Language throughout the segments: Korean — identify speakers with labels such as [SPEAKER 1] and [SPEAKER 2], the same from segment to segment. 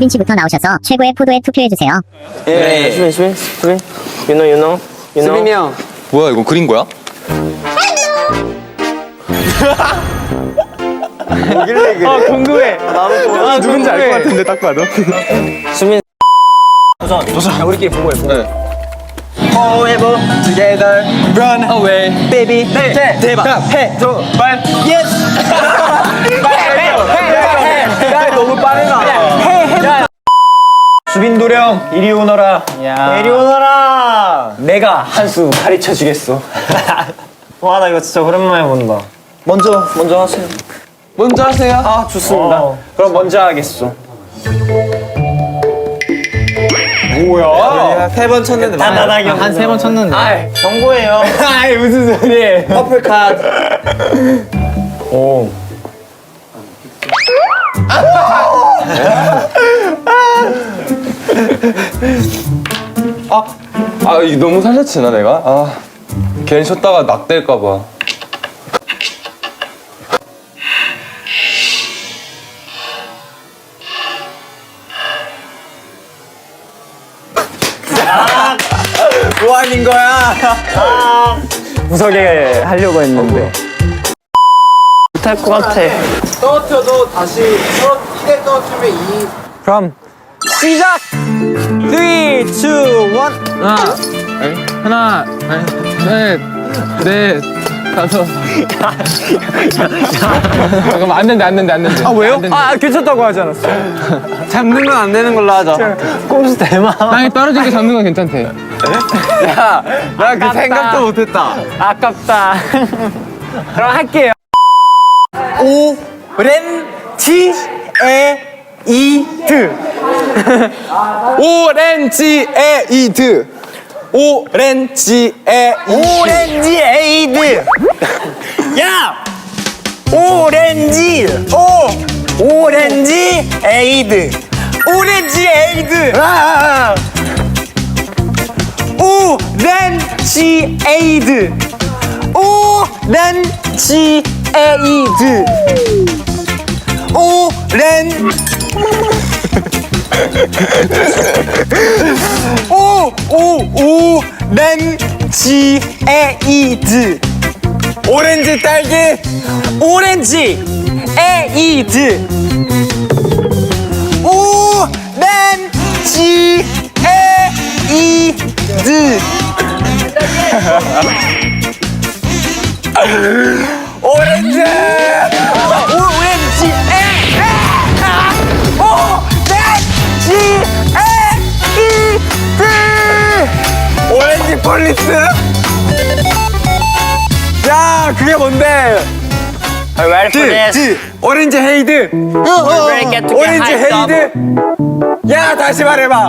[SPEAKER 1] 수빈씨부터 나오셔서 최고의 포도에 투표해주세요.
[SPEAKER 2] 예. 수빈. You know.
[SPEAKER 3] 수빈이 형.
[SPEAKER 4] 뭐야 이거 그린 거야?
[SPEAKER 3] 궁금해.
[SPEAKER 2] 나도
[SPEAKER 3] 누군지 알 것 같은데 딱 봐도.
[SPEAKER 2] 수빈. 도전. 야, 우리끼리 보고 해.
[SPEAKER 4] 네.
[SPEAKER 2] Forever together, run away, baby. 네. 대박. 해. 발. Yes. 해. 너무 빠르다. 해. 수빈 도령 이리 오너라. 이리 오너라. 내가 한 수 가르쳐 주겠어. 와, 나 이거 진짜 오랜만에 본다. 먼저 하세요.
[SPEAKER 3] 먼저 하세요.
[SPEAKER 2] 아, 좋습니다. 그럼 먼저 하겠어. 뭐야?
[SPEAKER 3] 3번 쳤는데.
[SPEAKER 2] 단단하게
[SPEAKER 3] 한 3번 쳤는데.
[SPEAKER 2] 아이, 정보예요. 아이, 무슨 소리예요? 퍼플 카드. 오.
[SPEAKER 4] 이거 너무 살려치나 내가? 괜히 쳤다가 낙될까봐.
[SPEAKER 2] 뭐 하는 거야? 무섭게 하려고 했는데. 못할 것 같아.
[SPEAKER 3] 떨어뜨려도 다시 이대 떨어뜨리면 이.
[SPEAKER 2] 그럼 시작! 3, 2, 1.
[SPEAKER 3] 하나, 셋, 넷, 다섯. 잠깐만 안 된대.
[SPEAKER 2] 아, 왜요? 괜찮다고 하지 않았어?
[SPEAKER 3] 잡는 건 안 되는 걸로 하자.
[SPEAKER 2] 꼼수 대마.
[SPEAKER 3] 땅에 떨어진 게 잡는 건 괜찮대.
[SPEAKER 2] 야, 나 그 생각도 못했다. 아깝다. 그럼 할게요. 오렌지에이드.
[SPEAKER 4] 오렌지에이드.
[SPEAKER 2] 오렌지에이드. 야! 오렌지에이드. 오렌지에이드. 오렌지에이드. 오렌지에이드. 오렌지 딸기. 오렌지에이드. 오렌지에이드. 오렌지! 오렌지 폴리스? 야, 그게 뭔데? 오렌지 헤이드. 오렌지 헤이드. 야, 다시 말해봐.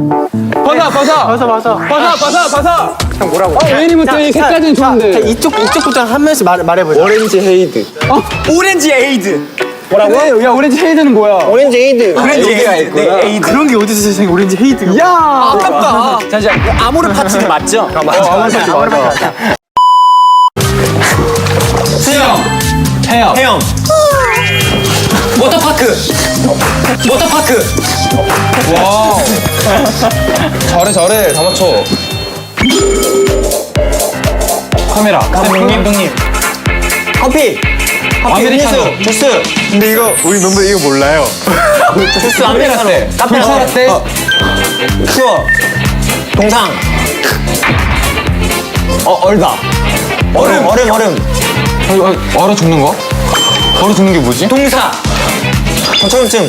[SPEAKER 3] 벗어.
[SPEAKER 2] 형 뭐라고?
[SPEAKER 3] 웨이부터 이 색깔은 좋은데.
[SPEAKER 2] 이쪽부터 한 명씩 말해보자. 오렌지 헤이드. 오렌지 에이드. 뭐라고?
[SPEAKER 3] 야, 오렌지 헤이드는 뭐야?
[SPEAKER 2] 오렌지 에이드. 오렌지 에이드.
[SPEAKER 3] 그런 게 어디서 세상에 오렌지 헤이드가. 야,
[SPEAKER 2] 아깝다. 잠시만. 아모르 파츠는 맞죠?
[SPEAKER 4] 아모르 파츠 맞아.
[SPEAKER 2] 수영. 해영. 워터파크.
[SPEAKER 4] 와. 잘해. 다 맞춰.
[SPEAKER 3] 카메라.
[SPEAKER 2] 감독님. 커피.
[SPEAKER 3] 아메리카노.
[SPEAKER 2] 주스.
[SPEAKER 4] 근데 이거 우리 멤버 이거 몰라요.
[SPEAKER 2] 주스 아메리카노.
[SPEAKER 3] 불사라떼.
[SPEAKER 2] 추워. 동상. 얼다. 얼음.
[SPEAKER 4] 얼어 죽는 거? 얼어 죽는 게 뭐지?
[SPEAKER 2] 동사. 초음증.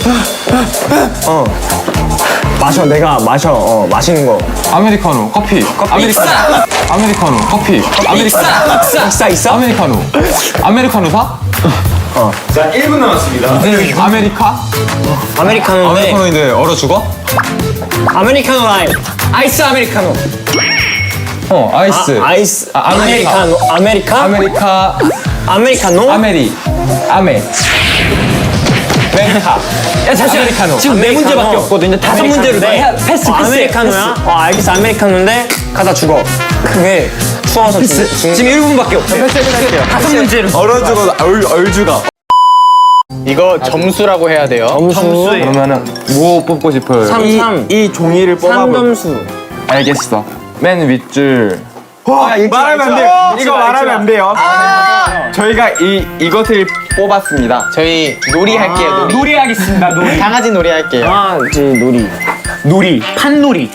[SPEAKER 2] 내가 마셔. 마시는 거.
[SPEAKER 4] 아메리카노, 커피. 아메리카노, 커피.
[SPEAKER 2] 있어?
[SPEAKER 4] 아메리카노. 아메리카노 사?
[SPEAKER 2] 자, 1분 남았습니다. 아메리카노인데.
[SPEAKER 4] 아메리카노인데 얼어 죽어?
[SPEAKER 2] 아메리카노 라임. 아이스 아메리카노.
[SPEAKER 4] 아이스.
[SPEAKER 2] 아이스.
[SPEAKER 4] 아메리카.
[SPEAKER 2] 아메리카노.
[SPEAKER 4] 메리카.
[SPEAKER 2] 야, 잠시만.
[SPEAKER 4] 아메리카노.
[SPEAKER 2] 지금 4문제밖에 없거든. 이제 5문제로 패스. 아메리카노야? 알겠어. 아메리카노인데 가다 죽어. 그게 추워서 지금 1분밖에 없어. 패스. 5문제로.
[SPEAKER 4] 얼어 죽어, 얼 죽어.
[SPEAKER 5] 이거 점수라고 해야 돼요.
[SPEAKER 2] 점수예요.
[SPEAKER 4] 그러면은 뭐 뽑고 싶어요?
[SPEAKER 2] 이 종이를 뽑아볼. 3점수.
[SPEAKER 4] 알겠어. 맨 윗줄.
[SPEAKER 3] 말하면 안 돼요. 이거 말하면 안 돼요.
[SPEAKER 4] 저희가 이것을 뽑았습니다.
[SPEAKER 5] 저희 놀이 할게요. 놀이.
[SPEAKER 2] 놀이 하겠습니다. 놀이.
[SPEAKER 5] 강아지 놀이 할게요.
[SPEAKER 2] 아, 이제 놀이. 놀이. 판놀이.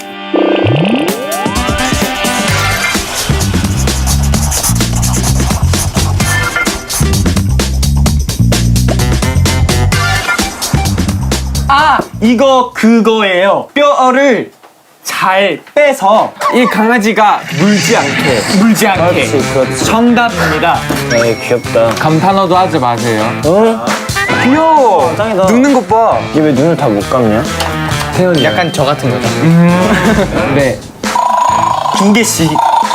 [SPEAKER 2] 아, 이거 그거예요. 뼈를 잘 빼서
[SPEAKER 3] 이 강아지가 물지 않게.
[SPEAKER 2] 물지 않게. 그렇지. 정답입니다.
[SPEAKER 6] 에이 귀엽다.
[SPEAKER 4] 감탄어도 하지 마세요.
[SPEAKER 3] 귀여워.
[SPEAKER 2] 짱이다.
[SPEAKER 3] 눕는 것 봐.
[SPEAKER 6] 이게 왜 눈을 다 못 감냐?
[SPEAKER 4] 태연이.
[SPEAKER 5] 약간 저 같은 거죠.
[SPEAKER 4] 네.
[SPEAKER 2] 두 개씩.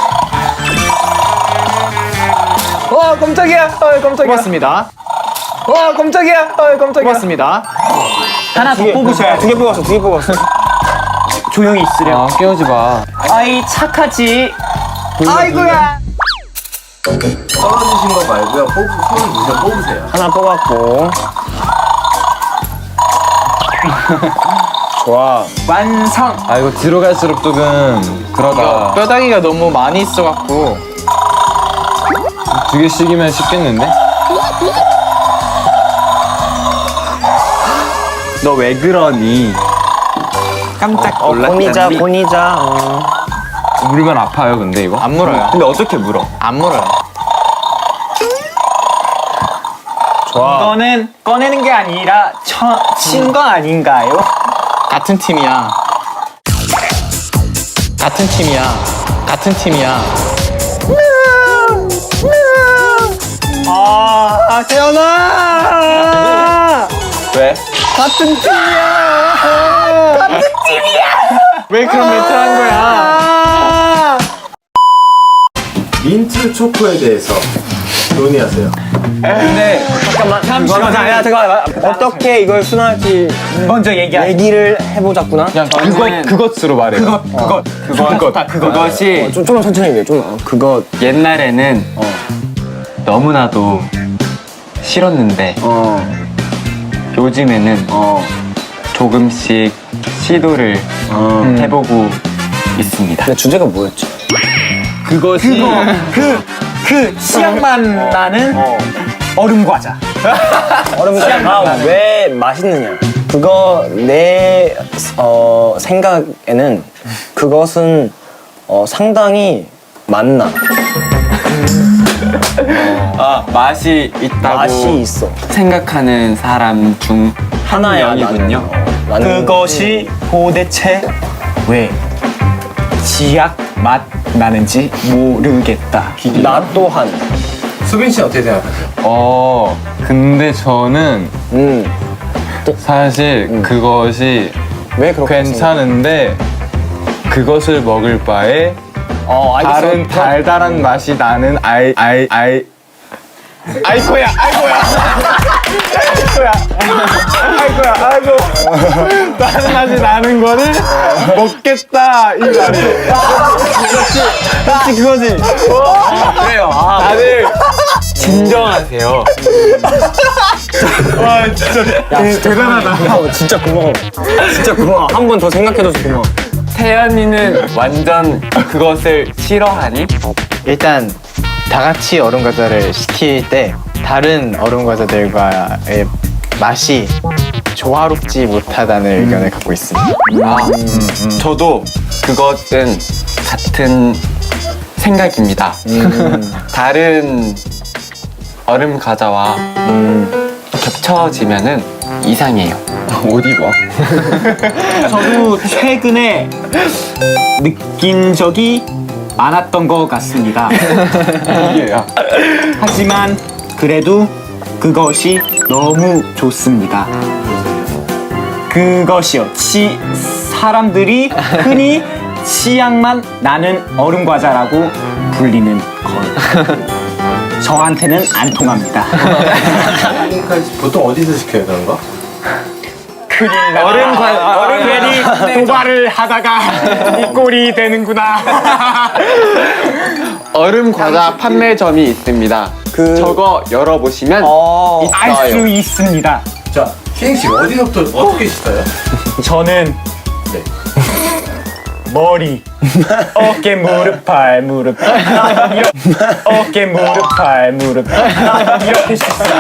[SPEAKER 3] 와 깜짝이야. 깜짝이야.
[SPEAKER 5] 고맙습니다.
[SPEAKER 3] 와 깜짝이야. 깜짝이야.
[SPEAKER 5] 고맙습니다.
[SPEAKER 2] 하나 더 뽑으셔야
[SPEAKER 6] 두 개 뽑았어. 두 개 뽑았어.
[SPEAKER 2] 조용히 있으려.
[SPEAKER 4] 아, 깨우지 마.
[SPEAKER 2] 아이 착하지.
[SPEAKER 3] 아이고야.
[SPEAKER 6] 떨어지신 거 말고요. 손을 무려 뽑으세요. 하나 뽑았고. 좋아.
[SPEAKER 2] 완성.
[SPEAKER 4] 아, 이거 뒤로 갈수록 조금 그러다.
[SPEAKER 5] 뼈다귀가 너무 많이 있어갖고
[SPEAKER 4] 2개씩이면 쉽겠는데?
[SPEAKER 3] 너 왜 그러니? 깜짝
[SPEAKER 6] 고니자 고니자.
[SPEAKER 4] 물면 아파요, 근데 이거?
[SPEAKER 5] 안 물어요.
[SPEAKER 3] 근데 어떻게 물어?
[SPEAKER 5] 안 물어요.
[SPEAKER 2] 이거는 꺼내는 게 아니라 친 거 아닌가요?
[SPEAKER 5] 같은 팀이야. 같은 팀이야. 같은 팀이야.
[SPEAKER 2] 아, 태연아.
[SPEAKER 4] 왜?
[SPEAKER 5] 왜 그런 멘트 한 거야?
[SPEAKER 6] 민트 초코에 대해서 논의하세요.
[SPEAKER 4] 근데
[SPEAKER 2] 잠시만.
[SPEAKER 6] 어떻게 이걸 순화할지
[SPEAKER 2] 먼저 얘기하자.
[SPEAKER 6] 얘기를 해보자꾸나.
[SPEAKER 4] 그냥 그것으로 말해요.
[SPEAKER 3] 그것이
[SPEAKER 6] 좀만 천천히 얘기해. 좀 그거
[SPEAKER 3] 옛날에는 너무나도 싫었는데 요즘에는 조금씩 시도를 해보고 있습니다.
[SPEAKER 6] 근데 주제가 뭐였지?
[SPEAKER 2] 그것이 그 씨앗만 나는 얼음 과자.
[SPEAKER 6] 얼음 과자 왜 맛있느냐? 그거 내 생각에는 그것은 상당히 맛나.
[SPEAKER 3] 맛이 있다고
[SPEAKER 6] 맛이 있어.
[SPEAKER 3] 생각하는 사람 중
[SPEAKER 6] 하나야.
[SPEAKER 3] 명이군요.
[SPEAKER 6] 나는
[SPEAKER 2] 그것이 도대체 왜 지약 맛 나는지 모르겠다.
[SPEAKER 6] 나 또한.
[SPEAKER 4] 수빈 씨 어떻게 생각하세요? 근데 저는 사실 그것이
[SPEAKER 6] 왜 그렇게
[SPEAKER 4] 괜찮은데 그것을 먹을 바에
[SPEAKER 6] 알겠어.
[SPEAKER 4] 다른 달달한 맛이 나는 아이고야 다른 맛이 나는 거를 먹겠다 이 말이에요. 그렇지 그거지. 그래요. 다들 진정하세요. 와 진짜 대단하다.
[SPEAKER 6] 진짜 고마워. 진짜 고마워. 한 번 더 생각해줘서 고마워.
[SPEAKER 3] 태연이는 완전 그것을 싫어하니?
[SPEAKER 5] 일단 다 같이 얼음 과자를 시킬 때 다른 얼음 과자들과의 맛이 조화롭지 못하다는 의견을 갖고 있습니다.
[SPEAKER 3] 저도 그것은 같은 생각입니다. 다른 얼음 과자와 겹쳐지면은 이상해요.
[SPEAKER 4] 어디 봐?
[SPEAKER 2] 저도 최근에 느낀 적이 많았던 것 같습니다.
[SPEAKER 4] 이게야.
[SPEAKER 2] 하지만 그래도 그것이 너무 좋습니다. 그것이요. 사람들이 흔히 치약만 나는 얼음 과자라고 불리는 것. 저한테는 안 통합니다.
[SPEAKER 6] 보통 어디서 시켜요 그런 거?
[SPEAKER 2] 얼음 괜히 도발을 하다가 이 꼴이 되는구나.
[SPEAKER 3] 얼음 과자 판매점이 있습니다. 저거 열어보시면
[SPEAKER 2] 알 수
[SPEAKER 3] 있어요.
[SPEAKER 2] 있습니다.
[SPEAKER 6] 자, 희행씨 어디서부터 어떻게 씻어요?
[SPEAKER 2] 저는 머리, 어깨, 무릎, 발, 무릎, 어깨, 무릎, 발, 무릎 이렇게 씻어요.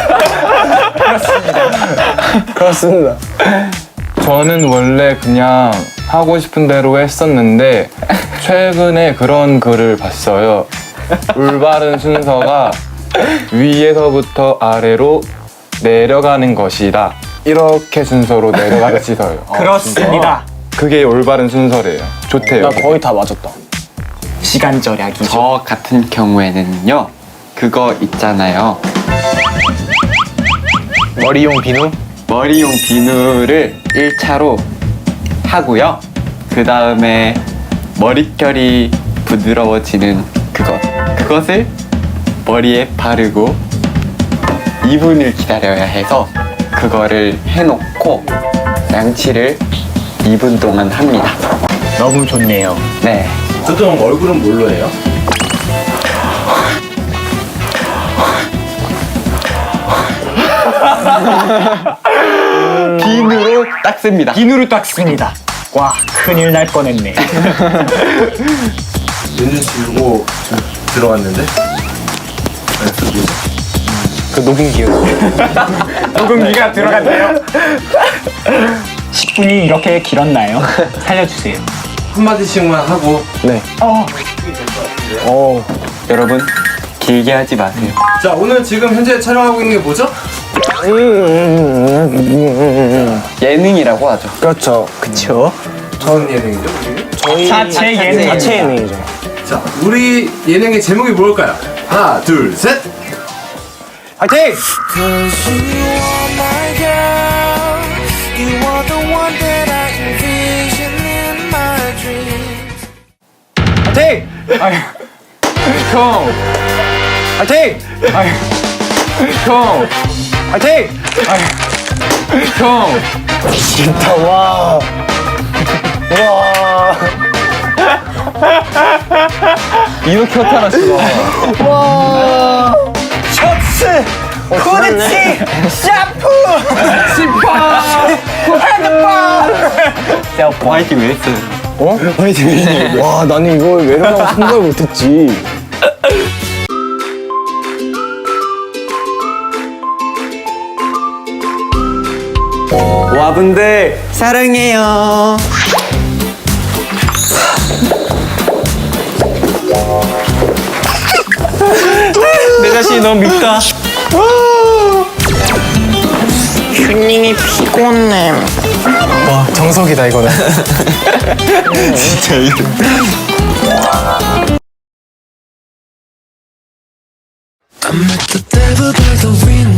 [SPEAKER 4] 그렇습니다. 저는 원래 그냥 하고 싶은 대로 했었는데 최근에 그런 글을 봤어요. 올바른 순서가 위에서부터 아래로 내려가는 것이다. 이렇게 순서로 내려가서 씻어요.
[SPEAKER 2] 그렇습니다.
[SPEAKER 4] 그게 올바른 순서래요. 좋대요.
[SPEAKER 5] 거의 다 맞았다.
[SPEAKER 2] 시간 절약이죠.
[SPEAKER 3] 저 같은 경우에는요, 그거 있잖아요.
[SPEAKER 5] 머리용 비누?
[SPEAKER 3] 머리용 비누를 1차로 하고요. 그 다음에 머릿결이 부드러워지는 그것을 머리에 바르고 2분을 기다려야 해서 그거를 해놓고 양치를 2분 동안 합니다.
[SPEAKER 2] 너무 좋네요.
[SPEAKER 3] 네.
[SPEAKER 6] 보통 얼굴은 뭘로 해요?
[SPEAKER 3] 비누로 닦습니다.
[SPEAKER 2] 비누를 닦습니다. 와, 큰일 날 뻔했네.
[SPEAKER 6] 눈을 지우고 좀 들어왔는데?
[SPEAKER 5] 그 녹음기요.
[SPEAKER 2] 녹음기가 들어갔네요. 10분이 이렇게 길었나요? 살려주세요.
[SPEAKER 6] 한마디씩만 하고.
[SPEAKER 3] 여러분, 길게 하지 마세요.
[SPEAKER 6] 자, 오늘 지금 현재 촬영하고 있는 게 뭐죠?
[SPEAKER 3] 예능이라고 하죠.
[SPEAKER 5] 그렇죠. 그쵸.
[SPEAKER 6] 무슨 예능이죠? 우리?
[SPEAKER 2] 자체 예능.
[SPEAKER 5] 자체 예능이죠.
[SPEAKER 6] 자, 우리 예능의 제목이 뭘까요? 하나, 둘, 셋!
[SPEAKER 2] 화이팅!
[SPEAKER 7] Cause you are my girl. You are the one that I envision in my dreams.
[SPEAKER 2] 화이팅! 형! 화이팅! 형! 화이팅! 형!
[SPEAKER 5] 진짜 와. 와. 이렇게 나타났어.
[SPEAKER 2] 셔츠! 후드티! 샤프! 셀폰!
[SPEAKER 3] 화이팅 왜 했어요?
[SPEAKER 5] 어? 와, 나는 이걸 외로라고 생각을 못했지.
[SPEAKER 3] 와분들 사랑해요. 내 자신이 너무 밉다.
[SPEAKER 7] 튜닝이 피곤해.
[SPEAKER 5] 와, 정석이다, 이거는.
[SPEAKER 3] 진짜 이거.
[SPEAKER 7] I met the devil by the window.